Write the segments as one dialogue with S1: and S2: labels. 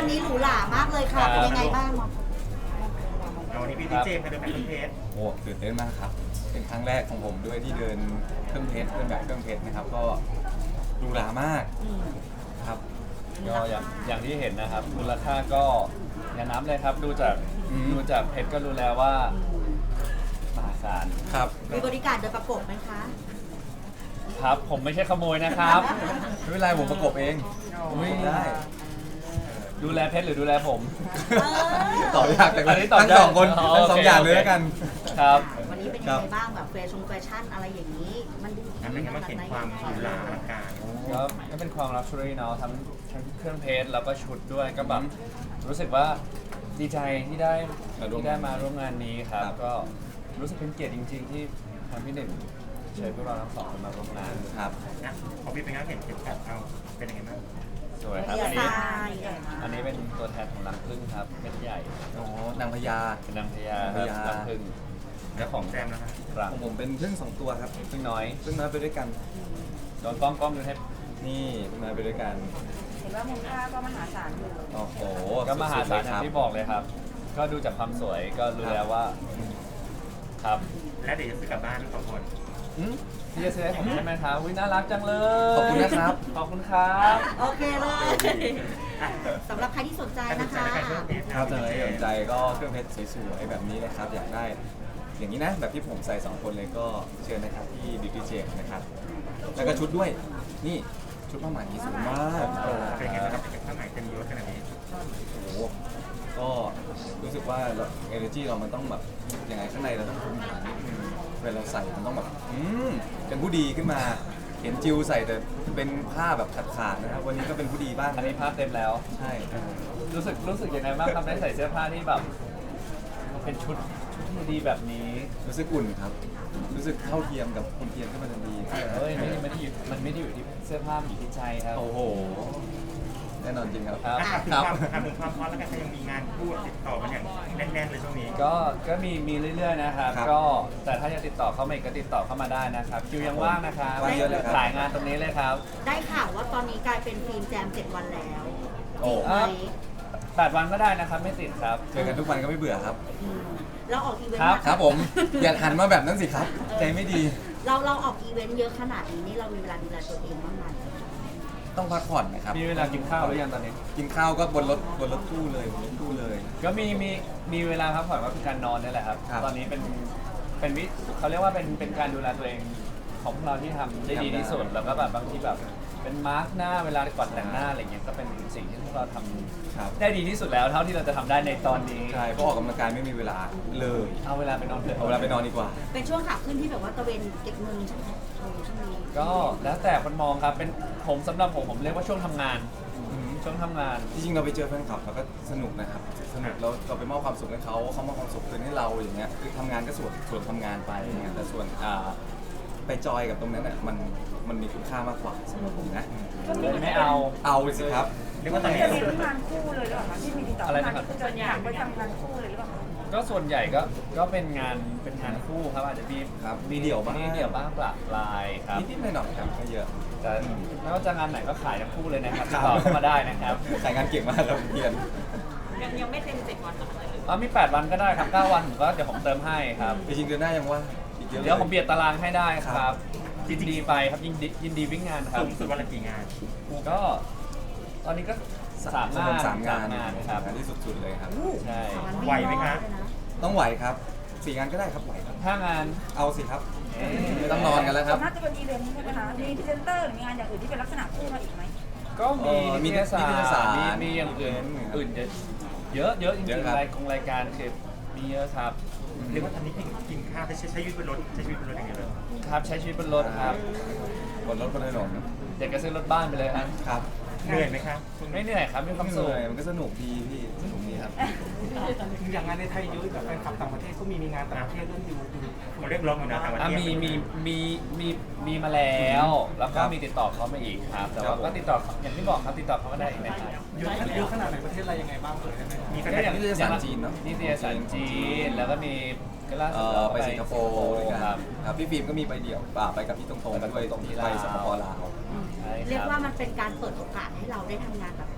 S1: นี้หรูหรามากเลยค่ะ เป็นยังไงบ้าง
S2: วันนี้พี่ดีเจมาเดินแบบเครื่องเพชร
S3: โอ้ตื่นเต้นมากครับ เป็นครั้งแรกของผมด้วยที่เดินเครื่องเพชรเดินแบบเครื่องเพชรนะครับ ก็หรูหรามากครับ
S4: ก็อย่างที่เห็นนะครับมูลค่าก็อย่านับเลยครับ ดูจากเพชรก็รู้แล้วว่ามหาศาล
S3: ครับ
S1: มีบริการเดินประกบไหมคะ
S4: ครับผมไม่ใช่ขโมยนะครับ
S3: ไม่เป็นไรผมประกบเอง
S4: อุ๊ย
S3: ได้
S4: ดูแลเพชรหรือดูแลผม
S3: ตอบยากแต่
S4: อันนี้ตอบ
S3: ทั้ง
S4: ยาก
S3: สองคน
S4: อ๋อ
S3: ทั้งสอง
S4: โอเค
S3: อย่างเลย
S4: โอเค
S3: แล้วกัน
S4: ครับ
S1: วันนี้เป็นยังไงบ้างแบบแฟชั่นอะไรอย่างนี้ มันดู
S2: เป็นไงบ้างเห็นความหรูหราอลังการ
S4: ก็เป็นความลักชัวรี่เนาะทั้งเครื่องเพชรแล้วก็ชุดด้วยก็แบบรู้สึกว่าดีใจที่ได้
S3: มาร่วม
S4: ที่ได้มาร่วมงานนี้ครับ
S3: ครับ
S4: ก็รู้สึกเป็นเกียรติจริง ๆ ที่ทางพี่หนึ่งเชิญพวกเราทั้งสองคนมาร่วมงาน
S3: ครับ
S2: นะพอพี่เป็นงานเห็นเข็มขัดเอาเป็นยังไงบ้าง
S4: สวยครับ
S1: เดีย
S4: อันนี้
S1: ไซน์
S4: อันนี้เป็นตัวแทนของรังผึ้งครับเม็ดใหญ่
S3: อ๋อนางพญา
S4: เป็นนางพญาค
S3: นางพ
S4: รับ
S3: ญา
S4: รังผึ้งและของ
S2: แจมนะครับ
S4: รัง
S3: ของผมเป็นพึ่งสองตัวครับ
S4: ผึ้งน้อย
S3: พึ่งน้อยไปด้วยกัน
S4: โดนกล้องดูให้
S3: นี่พึ่งน้อยไปด้วยกัน
S5: เห็นว่ามูลค่าก็มหาศาลอยู่
S3: โอ้โห
S4: ก็มหาศาล
S3: สุดๆ
S4: อย่างที่บอกเลยครับ ก็ดูจากความสวยก็รู้แล้วว่าครับ
S2: และเดี๋ยวจะซื้อกลับบ้านทั้งสองคน
S4: ที่จะซื้อให้ผมใช่ไหมครับวิน่ารักจังเลย
S3: ขอบคุณนะครับ
S4: ขอบคุณครับ
S1: โอเคเลย
S2: อ่ะ
S1: สำหรับใครที่สนใจ
S2: ถ้าส
S1: นะ
S2: นใจ
S1: คะ
S2: ในการเครื่องเพชร
S3: ครับถ้าสนใจก็เครื่องเพชรสวยๆแบบนี้นะครับ อยากได้ อย่างนี้นะ แบบที่ผมใส่2คนเลยก็เชิญนะครับที่ Beauty Gem นะครับ แล้วก็ชุดด้วย นี่ชุดผ้าไหมสวยมาก
S2: เป็นยังไงบ้างครับเป็นผ้าไหมเต็มยศขนาดนี้
S3: โอ้โหก็รู้สึกว่าเอเนอร์จีเรามันต้องแบบยังไงข้างในเราต้องภูมิฐานนิดนึงเวลาเราใส่มันต้องแบบเป็นผู้ดีขึ้นมา เห็นจิวใส่แต่เป็นผ้าแบบขาดๆนะครับ วันนี้ก็เป็นผู้ดีบ้าง
S4: อันนี้ภาพเต็มแล้ว
S3: ใช่
S4: รู้สึกยังไงบ้างครับได้ใส่เสื้อผ้าที่แบบเป็นชุดที่ดีแบบนี้
S3: รู้สึกอุ่นครับ รู้สึกเท่าเทียมกับคนเทียมขึ้นมาทันที
S4: เฮ้ยไม่ได้อยู่มันไม่ได้อยู่ที่เสื้อผ้ามันอยู่ที่ใจครับ
S3: โอ้โห แน่นอนจริงครับ
S4: ครับ
S2: อ่ะถึงความฮอตแล้วกันยังมีงานพูดติดต่อกันอย่างแน่นๆเลยช่วงนี้
S4: ก็มีเรื่อยๆนะครับ
S3: ครับ
S4: ก็แต่ถ้าจะติดต่อเข้ามาอีกก็ติดต่อเข้ามาได้นะครับคิวยังว่างนะครับ
S3: ว่างเยอะเลยครับ
S4: ขายงานตรงนี้เลยครับ
S1: ได้ข่าวว่าตอนนี้กลายเป็นฟิล์มแจม 7 วันแล้ว
S3: โอ้
S1: จริงไหม
S4: 8 วันก็ได้นะครับไม่ติดครับ
S3: เจอกันทุกวันก็ไม่เบื่อครับ
S1: อืมเราออกอีเวน
S4: ครั
S1: ต์
S4: บ
S3: ครับผม อย่าหันมาแบบนั้นสิครับ ใจไม่ดี
S1: เราออกอีเวนต์เยอะขนาดนี้นี่เรามีเวลาดูแลตัวเองบ้างไหม
S3: ต้องพักผ่อนนะครับ
S4: มีเวลากินข้าวหรือยังตอนนี้
S3: กินข้าวก็บนรถตู้เลยบนรถตู้เลย
S4: ก็มีเวลาพักผ่อนก็คือการนอนนี่แหละครับ
S3: ครับ
S4: ตอนนี้เป็นวิเขาเรียกว่าเป็นการดูแลตัวเองของพวกเราที่ทำได้ดีที่สุดแล้วก็แบบบางทีแบบเป็นมาร์กหน้าเวลาก่อนแต่งหน้าอะไรเงี้ยก็เป็นสิ่งที่พวกเราท
S3: ครับ
S4: ำได้ดีที่สุดแล้วเท่าที่เราจะทำได้ในตอนนี้
S3: ใช่เพราะออกกำลังกายไม่มีเวลาเลย
S4: เอาเวลาไปนอนเถอะ
S3: เอาเวลาไปนอนดีกว่า
S1: เป็นช่วงขาขึ้นที่แบบว่าตะเวนเก็บเงินใช่ไหมช่วงนี้
S4: ก็แล้วแต่คนมองครับเป็นผมสำหรับผมเรียกว่าช่วงทำงานช่วงทำงาน
S3: จริงๆเราไปเจอแฟนคลับเราก็สนุกนะครับ สนุกเราไปมอบความสุขให้เขามอบความสุขคืนให้เราอย่างเงี้ย คือทำงานก็ส่วนทำงานไปอย่างเงี้ยแต่ส่วนไปจอยกับตรงนั้นน่ะมันมีคุณค่ามากกว่าสำหรับผมนะ
S4: เลยไม่เอา
S3: เอาสิครับ
S2: เรียกว่าตอนนี้
S5: จะมีงานคู่เลยหรือเปล่าคะที่มีติดต่อ
S4: อะไร
S5: มา
S4: นะครับ
S5: ส่วนใหญ่ไปทำงานคู่เลยหรือเปล่าคะ
S4: ก็ส่วนใหญ่ก็เป็นงานคู่ครับอาจจะมี
S3: ครับมีเดี่ยวบ้าง
S4: มีเดี่ยวบ้างปลาปลายครับ
S3: นิดๆหน่อยๆครับไม่เยอะ
S4: แต่ไม่ว่าจะงานไหนก็ขายทั้งคู่เลยนะครับติดต่อเข้ามาได้นะครับ
S3: ขายงานเก่งมากครับเพียน
S5: ยังไม่เต็ม7 วันหรอคะ
S4: มี 8 วันก็ได้ครับ9 วันผมก็เดี๋ยวผมเติมให้ครับ
S3: จริงๆเดือนหน้ายังว่าอีกเยอะ
S4: เดี๋ยวผมเบียดตารางให้ได้ค
S3: ครั
S4: รับบ ยินดีไปครับยินดีวิ่งงานครับ
S2: สูงสุดวันละกี่งาน
S4: ก็ตอนนี้ก็สามงาน
S3: สามงาน
S4: ครับ
S3: งานที่สุดๆเลยครับ
S4: ใช่
S1: สองวัน
S2: ไหวไหมคะ
S1: เลยนะ
S3: ต้องไหวครับ4 งานก็ได้ครับไหวครับ
S4: ถ้างาน
S3: เอาสิครับ
S4: เอ๊ะ
S3: ไม่ต้องนอนกันแล้วครับ
S5: น่าจะเป็นอีเวนต์ใช่ไหมคะมีพรีเซนเตอร์หรือมีงานอย่างอื่นที่เป็นลักษณะคู่มาอีกไหม
S4: ก็มี
S3: มี
S4: นิตย
S3: นิตยสาร
S4: มีอย่างอื่นเยอะจริ
S3: เย
S4: ง
S3: อะครับ
S4: ๆรายการคือมีเยอะครับ
S2: เรียกว่าตอนนี้กินข้าวใช้ชีวิตบนรถใช้ชีวิตบนรถอย่างเดียวเลย
S4: ครับใช้ชีวิตบนรถครับ
S3: บนรถบนถนน
S4: อยากจะซื้อรถบ้านไปเลยครับ
S3: ครับ
S2: เหนื่อยไหมครับ
S4: ไม่เหนื่อยครับมีความ
S3: เห
S4: สุข
S3: นื่อยมันก็สนุกดีพี่สนุกดีครับ
S6: อย่างงานในไทยเยอะแบบแฟนคลับต่างประเทศก็มีงานต่างประเทศเรื่องอยู่
S2: เขาเรียกร้องอยู่นะต่างประเทศ
S4: มีมาแล้วแล้วก็
S3: ครับ
S4: มีติดต่อเขามาอีกครับแต่
S3: ครั
S4: ว่า
S3: บผม
S4: ก็ติดต่ออย่างที่บอกครับติดต่อเขาก็ได้อีกนะครับ
S6: เยอะขนาดไหนประเทศอะไรยังไงบ้างเลยได้ไหม
S2: มีแฟ
S4: ก็
S2: น
S4: อย่าง
S3: นิตยสารจีนเนอะ
S4: นิตยสารจีนแล้วก็มีก็ล่าสุดเรา
S3: ไปสิงคโปร์ด้วยกัน
S4: ครับ
S3: ครับพี่ฟิล์มก็มีไปเดี่ยวไปกับพี่ตรงๆด้วย
S4: ตรงที่
S3: ไป
S4: ลาว
S3: สปปลาว
S4: ใช่
S1: เรียก
S4: ครับ
S1: ว่ามันเป็นการเปิดโอกาสให้เราได้ทำงานแบบ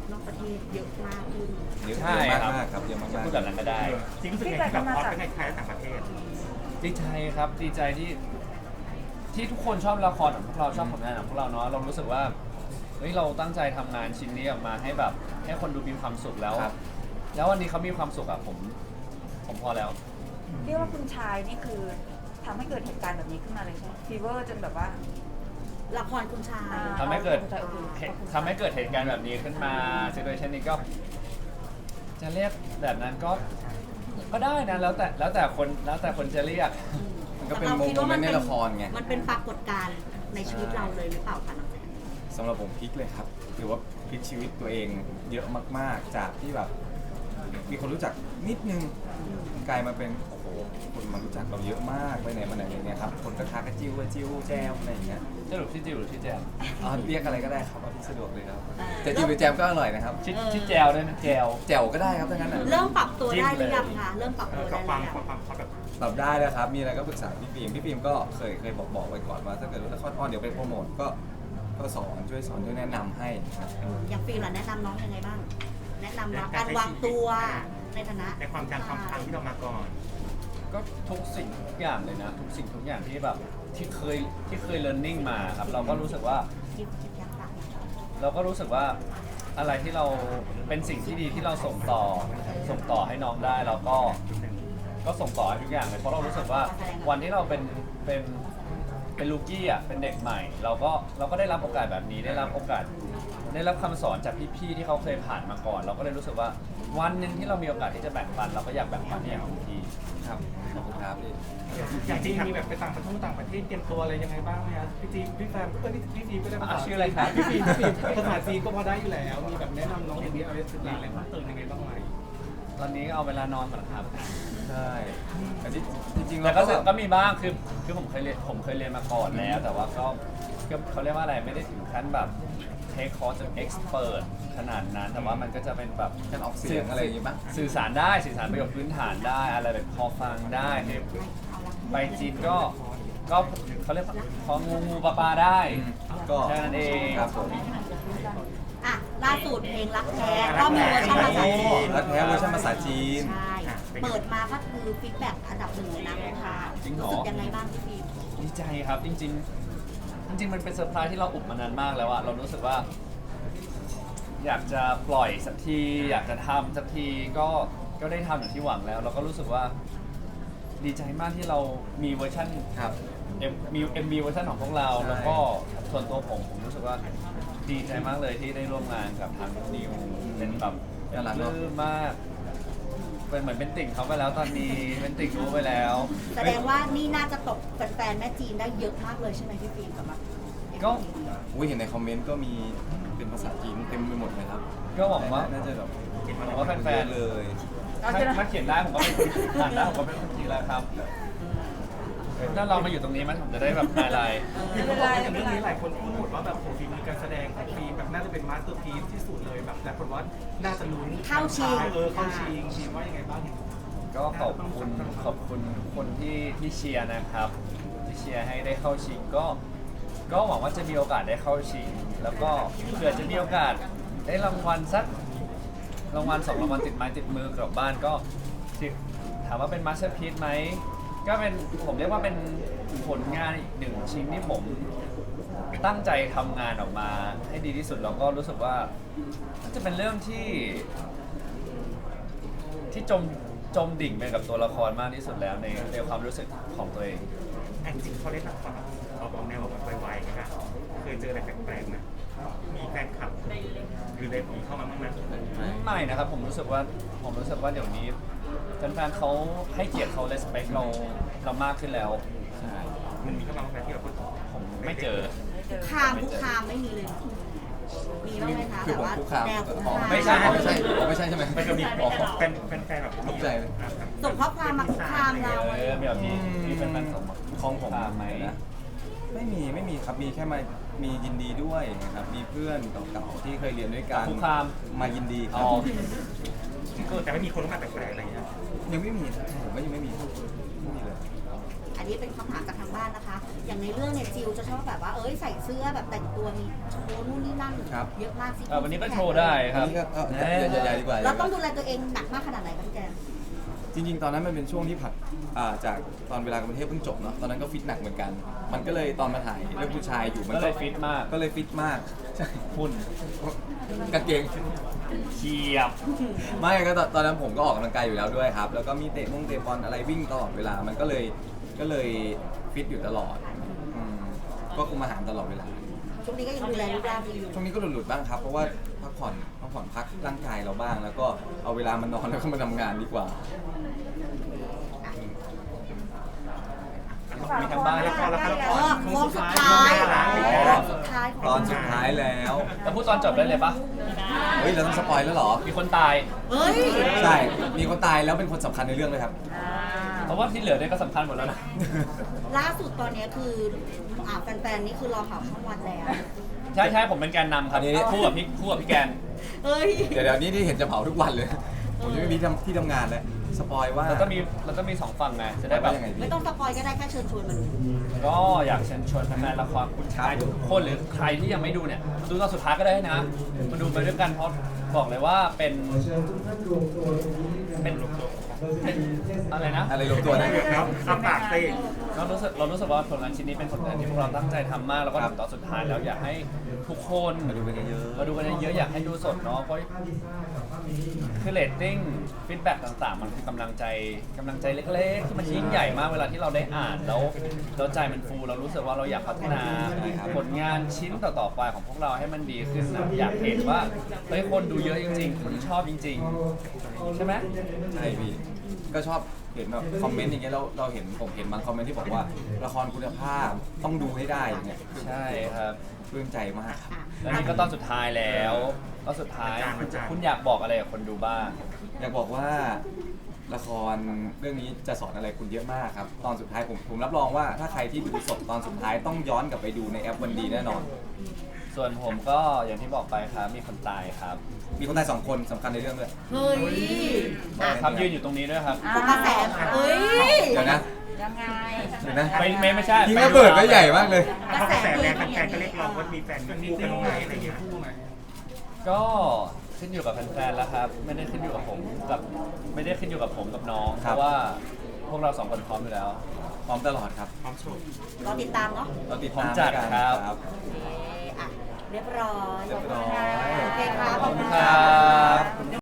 S1: นอกประเทศเยอะมากขึ้น
S3: เยอะ
S4: ใช่
S3: มาก
S4: ครับ
S3: มากครับเยอะมาก
S4: จะพูดแบบนั้นก็ได้
S2: จริงรู้สึกไงที่แบบฮอตทั้งในไทยและต่างประเทศ
S4: ดีใจครับดีใจที่ทุกคนชอบละครของพวกเราชอบผลงานของพวกเราเนาะเรารู้สึกว่าเฮ้ยเราตั้งใจทำงานชิ้นนี้ออกมาให้แบบให้คนดูมีความสุขแล้ว
S3: ครับ
S4: แล้ววันนี้เขามีความสุขอะผมพอแล้ว
S5: เรียกว่าคุณชายนี่คือทำให้เกิดเหตุการณ์แบบนี้ขึ้นมาเลยใช่ไหมฟีเวอร์จนแบบว่า
S1: ละครคุณชาย
S4: ทำให้เกิด
S5: คุณชายโอเค
S4: ทำให้เกิดเหตุการณ์แบบนี้ขึ้นมาซิทูเอชันนี้ก็ จะเรียกแบบนั้นก็ได้นะแล้วแต่คนจะเรียก
S3: มันก็เป็นโมเมนต์ในละครไง
S1: มันเป็นปรากฏการณ์ในชีวิตเราเลยหรือเปล่าคะน้องแจ๊ค
S3: สำหรับผมพลิกเลยครับถือว่าพลิกชีวิตตัวเองเยอะมากๆ จากที่แบบมีคนรู้จักนิดนึงกลายมาเป็นโอ้โหคนมารู้จักเราเยอะมากไปไหนมาไหนอะไรเงี้ยครับคนก็ทักกันจิ้วแจวอะไรอย่างเงี้ย
S4: สรุปที่จิวหรือที่แจม
S3: เรียกอะไรก็ได้ครับเอาที่สะดวกเลยครับแต่จิ้วหรือแจมก็อร่อยนะครับ
S4: ที่แจวด้วยนะแจว
S3: แจ่วก็ได้ครับทั้งนั้นน่ะ
S1: เริ่มปรับตัวได้หรือยัง
S4: จิ้มเลย
S1: คะเริ่มปรับตัว
S2: กั
S1: ได้
S2: บ
S1: หรือยัง
S2: ความฮอตแบบ
S3: ปรับได้แล้วครับมีอะไรก็ปรึกษาพี่ฟิล์มก็เคยบอกไว้ก่อนว่าถ้าเกิดละครออนเดี๋ยวไปโปรโมทก็สอนช่วยแนะนำให้ครับ
S1: อย่างฟิล์มล่ะแนะนำน้องยังไงบ้าง แนะนำน้องการวางตัวในฐานะ
S2: ในความดังความปังที่เรามาก่อน
S4: ก็ทุกสิ่งทุกอย่างเลยนะทุกสิ่งทุกอย่างที่แบบที่เคย learning มาครับเราก็รู้สึกว่า
S1: คิดยักษ์
S4: เราก็รู้สึกว่าอะไรที่เราเป็นสิ่งที่ดีที่เราส่งต่อให้น้องได้เราก็ส่งต่อให้ทุกอย่างเลยเพราะเรารู้สึกว่าวันที่เราเป็นลูกี้อ่ะเป็นเด็กใหม่ เราก็ได้รับโอกาสแบบนี้ได้รับโอกาสได้รับคำสอนจากพี่ๆที่เขาเคยผ่านมาก่อน เราก็เลยรู้สึกว่าวันหนึ่งที่เรามีโอกาสที่จะแบ่งปันเราก็อยากแบ่งปันให้อย่างเต็มที่
S3: ครับขอบคุณครับพี่
S6: อย่างจริงมีแบบไปต่างประเทศเตรียมตัวอะไรยังไงบ้างไหมครับพี่จีพี่แฟมก็พี่จีก็ได้ภาษา
S4: ชื่ออะไรครับ
S6: พี่จีภาษาจีนก็พอได้อยู่แล้วมีแบบแนะนำน้องอย่างนี้อะไรศึกษาอะไรเพิ่มเติมยังไงบ้างไหม
S4: ตอนนี้เอาเวลานอนก่อนครับ
S3: ใช่แต่จริงๆ
S4: แต่
S3: เรา
S4: ก็
S3: ก็แบบ
S4: ก็มีบ้างคือผมเคยเรียนมาก่อนแล้ว แต่ว่าก็เขาเรียกว่าอะไรไม่ได้ถึงขั้นแบบเทคคอร์สจนเอ็กซ์เพรสขนาดนั้น แต่ว่ามันก็จะเป็นแบบ
S3: การออกเสียงอะไรอย่างงี้ป่ะ
S4: สื่อสารประโยคพื้นฐานได้อะไรแบบพอฟังได้เนี่ยไปจีนก็เขาเรียกว่าพองูปลาได้
S3: ก็
S4: แค่นั้นเอง
S3: ครับผม
S1: อ่ะล่าสุดเพลงรักแท้ก็มีเวอร์ชันภาษาจีน
S3: รักแท้เวอร์ชันภาษาจีน
S1: ใช่เปิดมาก็คือฟีดแบ็กอันดับหนึ่งเลยนะค่ะ
S4: จริงเหรอ
S1: รู้สึกยังไงบ้างพี่ฟิล์ม
S4: ดีใจครับจริงมันเป็นเซอร์ไพรส์ที่เราอุบมานานมากแล้วอะเรารู้สึกว่า อยากจะปล่อยสักทีอยากจะทำสักทีก็ได้ทำอย่างที่หวังแล้ว เราก็รู้สึกว่าดีใจมากที่เรามีเวอร์ชัน
S3: ครับ
S4: มี MV เวอร์ชันของพวกเรา
S3: ใช่
S4: แล้วก็ส่วนตัวผมรู้สึกว่าดีใจมากเลยที่ได้ร่วมงานกับทางนิวเป็นแบบ
S3: น่ารักเนอะ
S4: ปลื้มมากเป็นเหมือนเป็นติ่งเขาไปแล้วตอนนี้เป็นติ่งรู้ไปแล้ว
S1: แสดงว่านี่น่าจะตกแฟนๆแม่จีนได้เยอะมากเลยใช่ไหมพี่ฟิล์มสำหรับ
S4: ก็
S3: อุ้ยเห็นในคอมเมนต์ก็มีเป็นภาษาจีนเต็มไปหมดเลยครับ
S4: ก็หวังว่า
S3: น่าจะแบบ
S4: หวังว่าแฟนๆ
S3: เลย
S4: ถ้าเขียนได้ผมก็เป็นคนอ่านได้ผมก็เป็นคนจีนแล้วครับถ้าเรามาอยู่ตรงนี้มันผมจะได้แบบไฮไลท์
S6: คือเขาบอกว่าอย่างเรื่องนี้หลายคนพูดหมดว่าแบบโอ้โหฝีมือการแสดงของฟิล์มแบบน่าจะเป็นมาสเตอร์พีซที่สุดเลยแบบแต่คนว่าน่าจะลุ้นเข้าชิงฟิล์มว่ายังไงบ้าง
S4: ก็ขอบคุณคนที่เชียร์นะครับที่เชียร์ให้ได้เข้าชิงก็หวังว่าจะมีโอกาสได้เข้าชิง แล้วก็เผื่อจะมีโอกาสได้รางวัลสักรางวัล2รางวัลติดไม้ติดมือกลับบ้านก็ถามว่าเป็นมาสเตอร์พีซไหมก็เป็นผมเรียกว่าเป็นผลงานอีกหนึ่งชิ้นที่ผมตั้งใจทำงานออกมาให้ดีที่สุดแล้วก็รู้สึกว่าน่าจะเป็นเรื่องที่จมดิ่งไปกับตัวละครมากที่สุดแล้วในความรู้สึกของตัวเอง
S2: จริงเขาเล่นละครแบบออกแนวแบบไวๆนะครับเคยเจออะไรแปลกๆไหมมีแฟนคลับหรือเล่นผีเข้ามาบ้างไหม
S4: ไม่นะครับผมรู้สึกว่าเดี๋ยวนี้แฟนๆเขาให้เกียรติเขา respect เรามากขึ้นแล้ว
S3: ใช่
S2: มันมีเข้ามาบ้างไหมที่เราก็
S4: ผมไม่เจอ
S1: คุกคามไม่มีเลย มีบ้างไหมคะ
S3: คือ
S1: แต่
S3: ผม
S1: ว่า
S3: คุกคาม
S1: แนวคุก
S3: อ๋อ
S1: คาม
S3: ไม่ใช่ใช่ไหม
S4: ไม่ก็มีบอก
S2: เป็นแฟนแบบ
S3: ตกใจเลย
S1: ส่งข้อความมาคุกคามเรา
S4: แบบมีแฟนๆส่งมา
S3: ของผม
S4: ตามไหม
S3: นะไม่มีครับมีแค่มียินดีด้วยนะครับมีเพื่อนเก่าๆที่เคยเรียนด้วยกัน
S4: คุกคาม
S3: มายินดีค
S4: อ๋
S3: รั
S4: อบ
S2: แต่ไม่มีคนเข้ามาแปลกๆอะไรอย่างเงี้ย
S3: ยังไม่มีผมก็ยังไม่มีเลย
S1: อันนี้เป็นคำถามจากทางบ้านนะคะ อย่างในเรื่องเนี่ยจิวจะชอบแบบว่าใส่เสื้อแบบแต่งตัวมีโชว์นู่นนี่นั่น
S3: ครับ
S1: เยอะมากสิ
S4: วันนี้ก็โชว์ได้ค
S3: อัน
S4: รับ
S3: นี้ก็ใหญ่ๆดีกว่า
S1: เราต้องดูแลตัวเองหนักมากขนาดไหนคะพี่แจม
S3: จริงๆ ตอนนั้นมันเป็นช่วงที่ผัดจากตอนเวลากรุงเทพเพิ่งจบเนาะตอนนั้นก็ฟิตหนักเหมือนกัน มันก็เลยตอนมาถ่ายเรื่องผู้ชายอยู่มัน
S4: ก็เลยฟิตมาก
S3: ก็เลยฟิตมากใช่
S4: หุ่น
S3: กางเกง
S4: เฉียบ
S3: ไม่ก็ตอนนั้นผมก็ออกกำลังกายอยู่แล้วด้วยครับ แล้วก็มีเตะบอลอะไรวิ่งตลอดเวลา มันก็เลยฟิตอยู่ตลอดก็คุมอาหารตลอดเวลา
S1: ช่วงนี้ก็ยังดูแลรูปร่างดีอยู่
S3: ช่วงนี้ก็หลุดๆบ้างครับ เพราะว่าพักผ่อนพักร่างกายเราบ้าง แล้วก็เอาเวลามานอนแล้วก็มาทำงานดีกว่า
S4: มีทางบ้าน
S6: ละครละครละค
S1: โค้
S6: รง
S1: สุดท้ายสุดท้ายของ
S3: ตอนสุดท้ายแล้ว
S4: แต่พูดตอนจบได้เลยปะ
S3: เฮ้ยเราต้องสปอยแล้วเหรอ
S4: มีคนตาย
S1: เฮ้ย
S3: ใช่ มีคนตายแล้วเป็นคนสำคัญในเรื่องเลยครับ
S4: เพราะว่าที่เหลือเนี่ยก็สำคัญหมดแล้วนะ
S1: ล่าสุดตอนนี้คือแฟนๆนี่คือรอข่าวช่องวันแล้ว
S4: ใช่ผมเป็นแกนนำครับ
S3: อันนี้
S4: คู่กับพี่แกน
S1: เฮ้ย
S3: เดี๋ยวนี้ที่เห็นจะเผาทุกวันเลย ผมจะไม่มีที่ทำงานแล้วสปอยว่า
S4: แล้วก็มีสองฝั่งไงจะได้แบบ
S3: ยังไงดี
S1: ไม่ต้องสปอยก็ได้แค่เชิญชวนมัน
S4: ก็อยากเชิญชวนแฟนๆละครคุณชายทุกคนหรือใครที่ยังไม่ดูเนี่ยดูตอนสุดท้ายก็ได้นะมาดูไปด้วยกันเพราะบอกเลยว่าเป็นอะไรนะ
S3: อะไรลงตัวนะ
S2: ครับเอาปากสิ
S4: เรารู้สึกว่าผลงานชิ้นนี้เป็นผลงานที่พวกเราตั้งใจทำมากแล้วก็
S3: ครับ
S4: ถึงตอนสุดท้ายแล้วอยากให้ทุกคน
S3: มาดูกันเยอะๆ
S4: มาดูกันเยอะๆอยากให้ดูสดเนาะเพราะคือเรตติ้งฟีดแบ็กต่างๆ มันคือกำลังใจเล็กๆที่มันยิ่งใหญ่มากเวลาที่เราได้อ่านแล้วใจมันฟูเรารู้สึกว่าเราอยากพัฒนา
S3: ใช่ครับ
S4: ผลงานชิ้นต่อๆไปของพวกเราให้มันดีขึ้นนะอยากเห็นว่าเฮ้ยคนดูเยอะจริงๆคนชอบจริงๆใช่ไหม
S3: ใช่พี่ ก็ชอบเห็นแบบคอมเมนต์อย่างเงี้ยแล้วผมเห็นบางคอมเมนต์ที่บอกว่าละครคุณภาพต้องดูให้ได้อย่างเงี้ย
S4: ใช่ครับ
S3: ปลื้มใจมากครับ
S4: แล้วนี่ก็ตอนสุดท้ายแล้วตอนสุดท้ายคุณอยากบอกอะไรกับคนดูบ้าง
S3: อยากบอกว่าละครเรื่องนี้จะสอนอะไรคุณเยอะมากครับ ตอนสุดท้ายผมรับรองว่าถ้าใครที่ดูสดตอนสุดท้ายต้องย้อนกลับไปดูในแอปวันดีแน่นอน
S4: ส่วนผมก็อย่างที่บอกไปครับมีคนตายครับ
S3: มีคนตาย2 คนสำคัญในเรื่องด้วย
S1: เฮ้ย
S4: ครับยืนอยู่ตรงนี้ด้วยครับ
S1: ปกระแสเฮ้ย
S3: เดี๋ยวนะ
S5: ยังไง
S3: เดี๋ยวนะ
S4: ไม่ใช่
S3: ยิงระเบิดก็ใหญ่มากเลย
S2: เพราะกระแสแรงแฟนๆก็เรียกร้องว่ามีแฟนมีคู่กันไหมอะไรเงี้ย
S4: ก็ขึ้นอยู่กับแฟนๆแล้วครับ ไม่ได้ขึ้นอยู่กับผมกับน้อง
S3: ค
S4: เพ
S3: รับ
S4: ราะว่าพวกเรา2 คนพร้อมอยู่แล้ว
S3: พร้อมตลอดครับ
S2: พร้อมโชว์
S1: รอติดตามเนาะ
S3: เราติด
S4: พร้อ
S3: ตาม
S4: มจัด
S3: กัน
S4: ครับ
S1: โอเคอ่ะเรียบร้อย
S3: เรียบร้อย
S1: โอเคครับขอบคุณ
S4: ค
S1: ค่ะ
S4: รับ